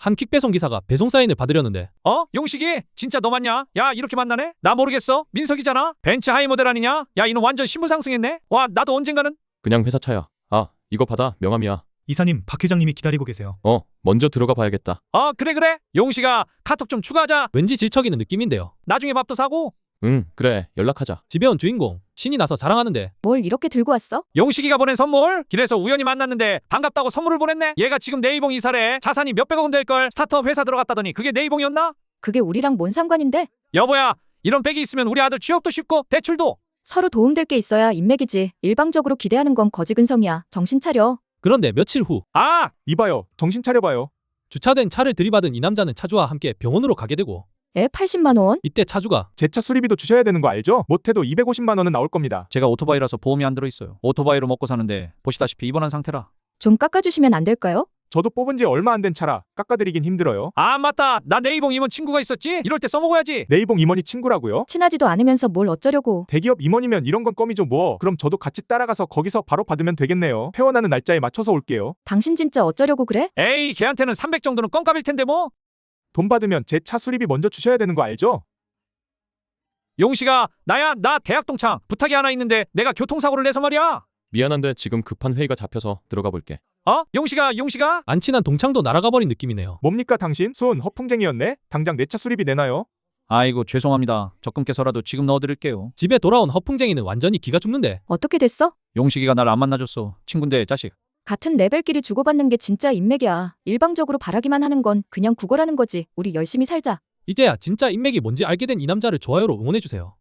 한 퀵배송 기사가 배송 사인을 받으려는데 용식이? 진짜 너 맞냐? 야, 이렇게 만나네? 나 모르겠어. 민석이잖아. 벤츠 하이 모델 아니냐? 야, 이놈 완전 신분 상승했네. 와, 나도 언젠가는. 그냥 회사 차야. 아, 이거 받아. 명함이야. 이사님, 박 회장님이 기다리고 계세요. 먼저 들어가 봐야겠다. 그래. 용식아, 카톡 좀 추가하자. 왠지 질척이는 느낌인데요. 나중에 밥도 사고. 응, 그래. 연락하자. 집에 온 주인공 신이 나서 자랑하는데 뭘 이렇게 들고 왔어? 용식이가 보낸 선물. 길에서 우연히 만났는데 반갑다고 선물을 보냈네. 얘가 지금 네이봉 이사래. 자산이 몇백억은 될걸. 스타트업 회사 들어갔다더니 그게 네이봉이었나? 그게 우리랑 뭔 상관인데? 여보야, 이런 백이 있으면 우리 아들 취업도 쉽고 대출도. 서로 도움될 게 있어야 인맥이지. 일방적으로 기대하는 건 거지근성이야. 정신 차려. 그런데 며칠 후 이봐요. 정신 차려봐요. 주차된 차를 들이받은 이 남자는 차주와 함께 병원으로 가게 되고 애 80만 원? 이때 차주가 제 차 수리비도 주셔야 되는 거 알죠? 못해도 250만 원은 나올 겁니다. 제가 오토바이라서 보험이 안 들어있어요. 오토바이로 먹고 사는데 보시다시피 입원한 상태라. 좀 깎아주시면 안 될까요? 저도 뽑은 지 얼마 안 된 차라 깎아드리긴 힘들어요. 맞다. 나 네이봉 임원 친구가 있었지? 이럴 때 써먹어야지. 네이봉 임원이 친구라고요? 친하지도 않으면서 뭘 어쩌려고. 대기업 임원이면 이런 건 껌이죠 뭐. 그럼 저도 같이 따라가서 거기서 바로 받으면 되겠네요. 퇴원하는 날짜에 맞춰서 올게요. 당신 진짜 어쩌려고 그래? 에이, 걔한테는 300 정도는 껌값일 텐데 뭐. 돈 받으면 제 차 수리비 먼저 주셔야 되는 거 알죠? 용식아, 나 대학 동창. 부탁이 하나 있는데 내가 교통사고를 내서 말이야. 미안한데 지금 급한 회의가 잡혀서 들어가 볼게. 용식아. 안 친한 동창도 날아가 버린 느낌이네요. 뭡니까 당신? 수은 허풍쟁이였네? 당장 내 차 수리비 내놔요. 아이고, 죄송합니다. 적금께서라도 지금 넣어드릴게요. 집에 돌아온 허풍쟁이는 완전히 기가 죽는데 어떻게 됐어? 용식이가 날 안 만나줬어. 친군데 자식. 같은 레벨끼리 주고받는 게 진짜 인맥이야. 일방적으로 바라기만 하는 건 그냥 구걸하는 거지. 우리 열심히 살자. 이제야 진짜 인맥이 뭔지 알게 된 이 남자를 좋아요로 응원해주세요.